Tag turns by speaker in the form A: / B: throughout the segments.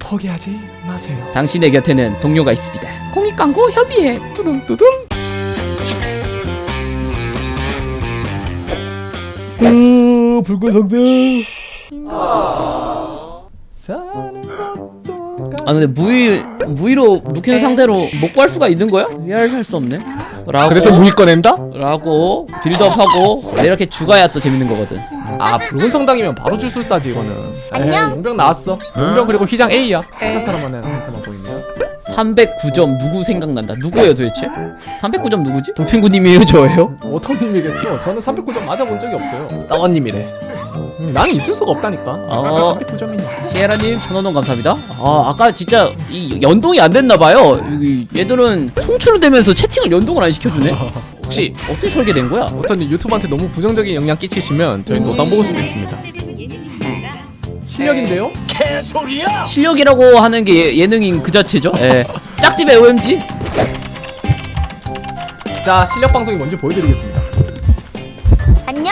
A: 포기하지 마세요.
B: 당신의 곁에는 동료가 있습니다. 공익광고 협의회
A: 뚜둥뚜둥. 붉은 성들.
B: 아 근데 무의로 루켄 상대로 못 구할 수가 있는 거야? 이해할 수 없네. 라고
A: 그래서 무기 꺼낸다?
B: 라고 빌드업하고 이렇게 죽어야 또 재밌는 거거든.
A: 아 붉은 성당이면 바로 줄술사지 이거는.
C: 안녕.
A: 용병 나왔어. 용병 그리고 휘장 A야. 한 사람만은 한테만 보이네요.
B: 309점 누구 생각난다. 누구예요 도대체? 309점 누구지? 돌핑구님이에요 저예요?
A: 오토님이겠죠. 저는 309점 맞아본 적이 없어요. 따원님이래. 나는 있을 수가 없다니까. 309점이냐.
B: 시에라님 1,000원 감사합니다. 아 아까 진짜 이 연동이 안 됐나봐요. 얘들은 송출을 되면서 채팅을 연동을 안 시켜주네.
A: 혹시
B: 어떻게 설계된 거야?
A: 오토님 유튜브한테 너무 부정적인 영향 끼치시면 저희 노담 먹을 수도 있습니다. 실력인데요?
B: 실력이라고 하는 게 예능인 그 자체죠. 예. 짝집의 OMG.
A: 자 실력 방송이 뭔지 보여드리겠습니다.
C: 안녕.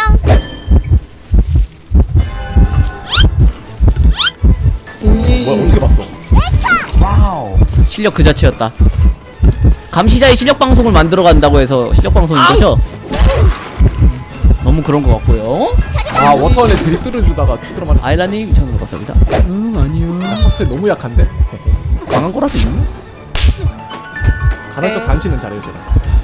A: 뭐야 어떻게 봤어?
B: 실력 그 자체였다. 감시자의 실력 방송을 만들어 간다고 해서 실력 방송인 거죠? 너무 그런 것 같고요.
A: 아 워터원에 드립들을 주다가 두드려 맞았어.
B: 아일라님 2,000원 감사합니다. 아니요.
A: 파스트 너무 약한데?
B: 강한 거라도 있나?
A: 간헐적 단신은 잘해줘라.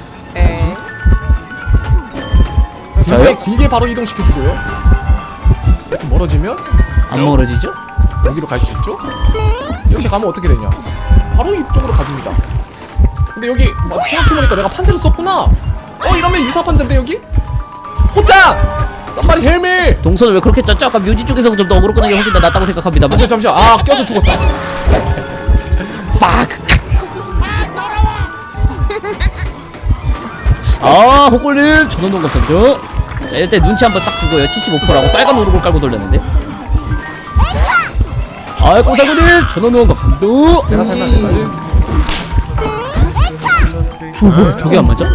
B: 저요?
A: 저요? 길게 바로 이동시켜주고요. 이렇게 멀어지면
B: 안 멀어지죠?
A: 여기로 갈 수 있죠? 이렇게 가면 어떻게 되냐? 바로 이쪽으로 가줍니다. 근데 여기 막 생각해보니까 내가 판자를 썼구나. 이러면 유사 판자인데 여기? 호짱! 썸바리 헬미!
B: 동선을 왜 그렇게 짰죠? 아까 묘지 쪽에서 좀 더 어그로 끄는 게 훨씬 더 낫다고 생각합니다만.
A: 잠시만. 아 껴서 죽었다.
B: 빡! 아 호골님 1,000원 감사합니다. 자 이럴 때 눈치 한번 딱 주고요. 75%라고 빨간 오르골 깔고 돌렸는데. 아 꼬살구님 1,000원 감사합니다.
A: 내가 살면 안 될까요?
B: 뭐 저게 안 맞아?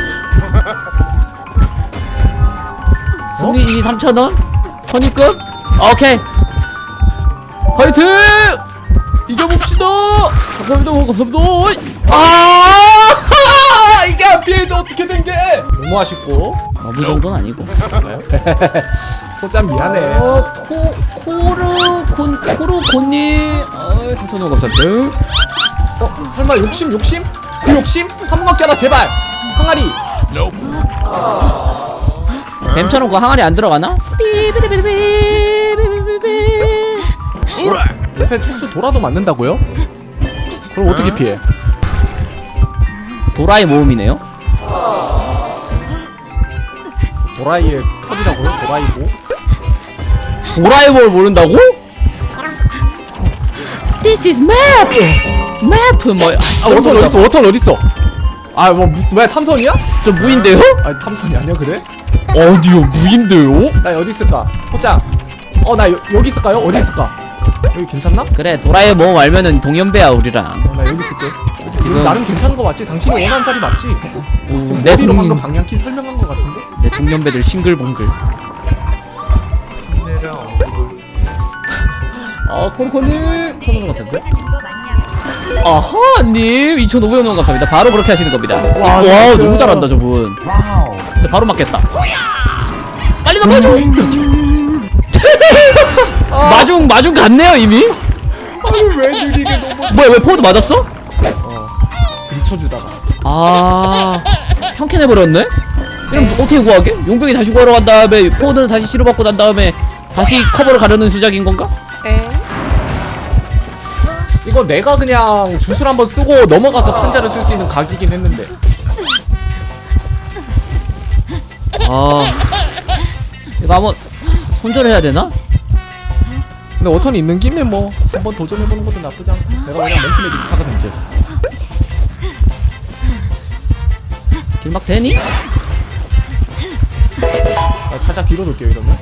B: 승리이 3,000원? 선입금? 오케이 화이팅! 이겨봅시다! 감사합니다.
A: 이게 안 피해져 어떻게 된 게? 너무 아쉽고.
B: 그 정도는 아니고.
A: 호짱 미안해.
B: 코르곤님 3,000원 감사합니다.
A: 설마 욕심? 그 욕심? 한 번만 껴라 제발. 항아리.
B: 뱀처럼 그 항아리 안 들어가나?
A: 요새 촉수 돌아도 맞는다고요? 그럼 어떻게 피해?
B: 도라의 모음이네요.
A: 도라이의 컵이라고요? 도라이고?
B: 도라의 뭘 모른다고? This is map! map 뭐?
A: 워터 어딨어? 워터 어딨어? 뭐야 탐선이야?
B: 저 무인데요?
A: 아니 탐선이 아니야 그래?
B: 어디요 무인데요?
A: 나 어디 있을까? 호짱. 나 여기 있을까요? 어디 있을까? 여기 괜찮나?
B: 그래 도라의 모음 알면은 동년배야 우리랑.
A: 나 여기 있을게.
B: 지금
A: 나름 괜찮은 거 맞지? 당신이 원하는 자리 맞지?
B: 내
A: 머리로 방금
B: 동
A: 방향키 설명한 거 같은데?
B: 내 동년배들 싱글벙글. 코르코님 1,000원 감사합니다. 아하님 2,500원 감사합니다. 바로 그렇게 하시는 겁니다. 와
A: 진짜.
B: 너무 잘한다 저분. 근데 바로 맞겠다. 빨리 넘어줘. 마중 갔네요 이미.
A: 아니 왜 느리게 너무
B: 뭐야 왜 포워드 맞았어?
A: 부딪혀주다가
B: 형캔해버렸네? 그럼 어떻게 구하게? 용병이 다시 구하러 간 다음에 포워드는 다시 치료받고 난 다음에 다시 커버를 가려는 수작인 건가?
A: 이거 내가 그냥 주술 한번 쓰고 넘어가서 판자를 쓸 수 있는 각이긴 했는데
B: 이거 한번 손절을 해야 되나?
A: 근데 워턴이 있는 김에 뭐 한번 도전해보는 것도 나쁘지 않고 내가 그냥 몽키매직 차거든 이제
B: 길막 되니?
A: 나 살짝 뒤로 돌게요 이러면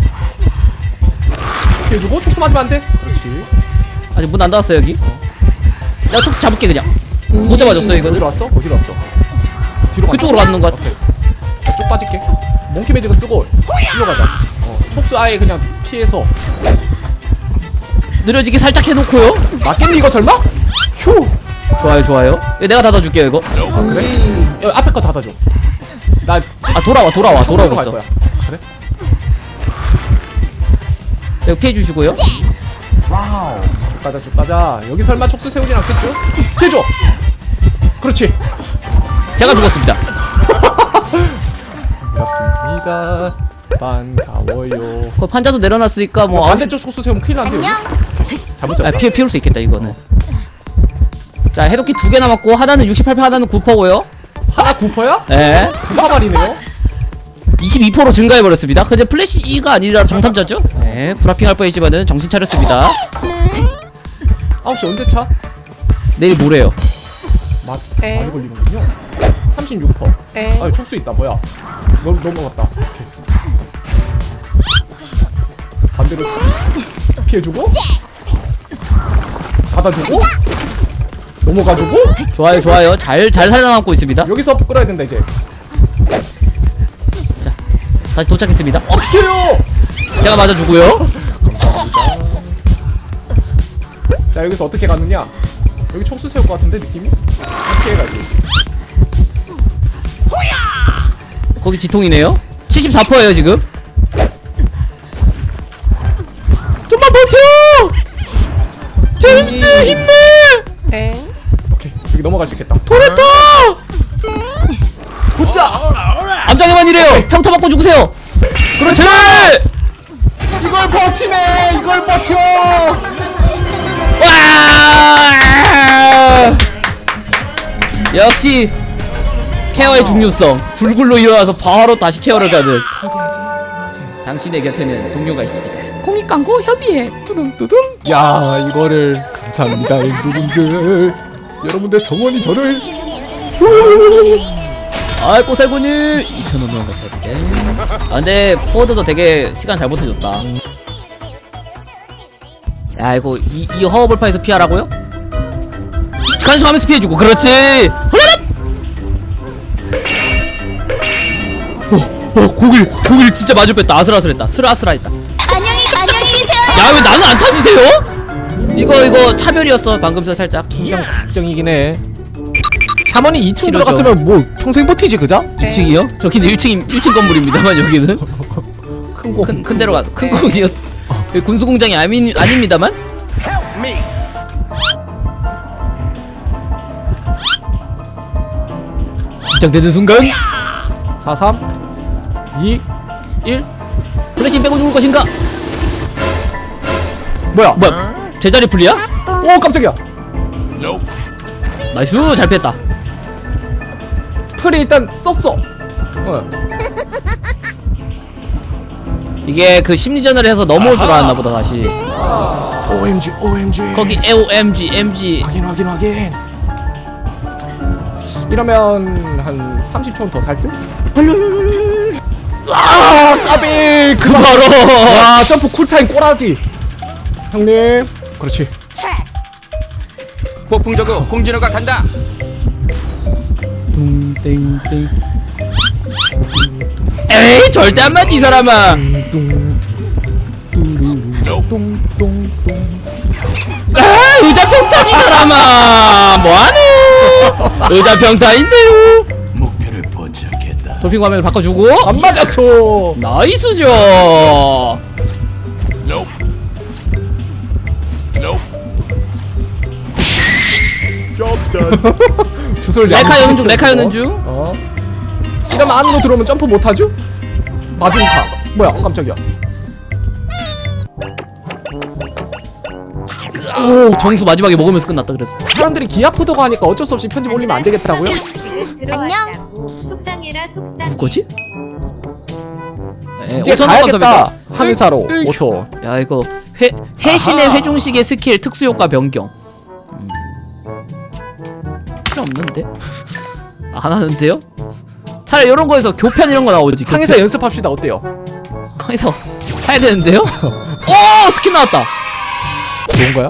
A: 피해주고 촉수 맞으면 안돼 그렇지
B: 아직 문 안 닫았어 여기. 내가 촉수 잡을게 그냥. 못 잡아줬어 이거는.
A: 어디로 왔어? 어디로 왔어? 뒤로
B: 그쪽으로 가는 것 같아.
A: 오케이. 쭉 빠질게 몽키 매직을 쓰고 일로 가자 촉수 아예 그냥 피해서
B: 느려지게 살짝 해놓고요.
A: 맞겠니 이거 설마? 휴.
B: 좋아요 좋아요. 이거 내가 닫아줄게요 이거.
A: 아 그래? 야, 앞에 거 닫아줘. 나
B: 아 돌아오고
A: 갈
B: 있어.
A: 거야. 그래?
B: 이거 피해주시고요.
A: 쭉 가자. 여기 설마 촉수 세우진 않겠죠? 피해줘. 그렇지.
B: 제가 죽었습니다.
A: 반갑습니다. 반가워요.
B: 그 판자도 내려놨으니까 뭐
A: 반대쪽 촉수 세우면 큰일 난데.
C: 안녕.
A: 잘못했어.
B: 아, 피울 수 있겠다 이거는. 자 해독기 2개 남았고 하나는 68% 하나는 9%고요.
A: 하나 9%야?
B: 예.
A: 9%말이네요.
B: 22% 증가해버렸습니다. 그제 플래시가 아니라 정탐자죠? 네, 구라핑 할 뻔했지만은 정신 차렸습니다.
A: 9시 언제 차?
B: 내일 모레요.
A: 많이 걸리는군요. 36%. 아, 촉수 있다. 뭐야? 넘어갔다. 오케이. 반대로 피해주고, 받아주고, 넘어가주고.
B: 좋아요, 좋아요. 잘 살아남고 있습니다.
A: 여기서 끌어야 된다 이제.
B: 다시 도착했습니다.
A: 피해요.
B: 제가 맞아주고요.
A: 자, 여기서 어떻게 갔느냐? 여기 촉수 세울 것 같은데 느낌이? 다시 해가지.
B: 거기 지통이네요. 74%예요 지금. 좀만 버텨! 제임스 힘내!
A: 오케이, 여기 넘어갈 수 있겠다.
B: 토레토!
A: 굿자.
B: 암장에만 이래요. 평타 맞고 죽으세요. 그렇지!
A: 이걸 버티네. 이걸 버텨.
B: 와! 역시 케어의 중요성. 불굴로 일어나서 바로 다시 케어를 가는
A: 포기하지 마세요.
B: 당신의 곁에는 동료가 있습니다. 공익광고 협의회.
A: 뚜둥뚜둥. 야, 이거를 감사합니다, 여러분들. 여러분들 성원이 저를.
B: 아 꼬살구님 2,000원 감사합니다. 아 근데 포워드도 되게 시간 잘 버텨줬다. 야 이거 이 허허벌판에서 피하라고요? 간식하면서 피해주고 그렇지. 고길 진짜 마주 뺐다. 아슬아슬했다. 슬아슬했다.
C: 안녕히 계세요.
B: 야 왜 나는 안 타지세요? 이거 차별이었어 방금 전 살짝.
A: 걱정이긴 해. 샤먼이 2층
B: 싫어져.
A: 들어갔으면 뭐 평생 버티지 그자?
B: 2층이요? 저기는 1층 건물입니다만 여기는
A: 큰 거.
B: 큰 데로 가서 큰 공이요. 군수공장이 아닙니다만. 긴장되는 순간
A: 4, 3, 2, 1.
B: 플래시 빼고 죽을 것인가?
A: 뭐야?
B: 제자리 풀리야?
A: 오, 깜짝이야.
B: 나이스 잘 피했다.
A: 풀이 일단 썼어.
B: 이게 그 심리전을 해서 넘어올 줄 알았나 보다 다시.
A: OMG, OMG.
B: 거기 OMG MG.
A: 확인. 이러면 한 30초는 더 살 듯? 아, 까비.
B: 그 바로.
A: 와, 점프 쿨타임 꼬라지. 형님. 그렇지.
D: 폭풍 저그 홍진호가 간다.
B: 뚱땡땡. 에이 절대 안 맞지 이 사람아.
A: 똥똥똥.
B: 아 의자 평타지 이 사람아. 뭐하네. 의자 평타인데요.
D: 목표를 포착했다.
B: 돌핑 화면을 바꿔주고.
A: 안 맞았어.
B: 나이스죠.
A: 주술
B: 메카 여는 중 메카 여는 중.
A: 이러면 안으로 들어오면 점프 못하죠? 마중카. 뭐야? 깜짝이야.
B: 오 정수 마지막에 먹으면서 끝났다 그래도.
A: 사람들이 귀 아프다고 하니까 어쩔 수 없이 편집 올리면 안 되겠다고요?
C: 안녕.
E: 속상해라 속상.
B: 누구지? 에,
A: 이제
B: 5,000원
A: 가야겠다.
B: 감사합니다.
A: 항해사로
B: 으이.
A: 5초.
B: 야 이거 회신의 회중식의 스킬 특수효과 변경. 필요 없는데? 안 하는데요? 차라리 이런 거에서 교편 이런 거 나오지.
A: 항해사 연습합시다. 어때요?
B: 항해사 사야 되는데요? 오 스킨 나왔다.
A: 좋은 거야?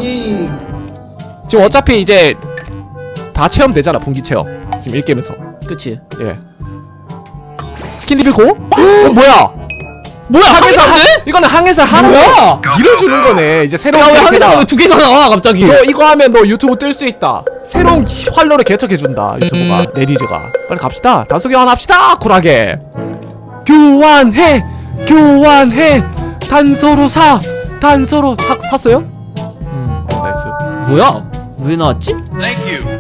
A: 지금 어차피 이제 다 체험되잖아. 분기 체험. 지금 1게임에서.
B: 그치?
A: 예. 스킨 리뷰 고? 뭐야?
B: 뭐야 항해사 돼?
A: 이거는 항해사 하는
B: 뭐야?
A: 거 밀어주는 거네. 이제 새로운
B: 야왜 항해사가
A: 캐릭터다.
B: 왜 두 개나 나와 갑자기?
A: 너 이거 하면 너 유튜브 뜰 수 있다. 새로운 활로를 개척해준다 유튜브가. 네디즈가. 빨리 갑시다. 단소 교환합시다. 쿨하게. 교환해 단서로 단서로 샀어요? 나이스.
B: 뭐야? 왜 나왔지?
D: Thank you.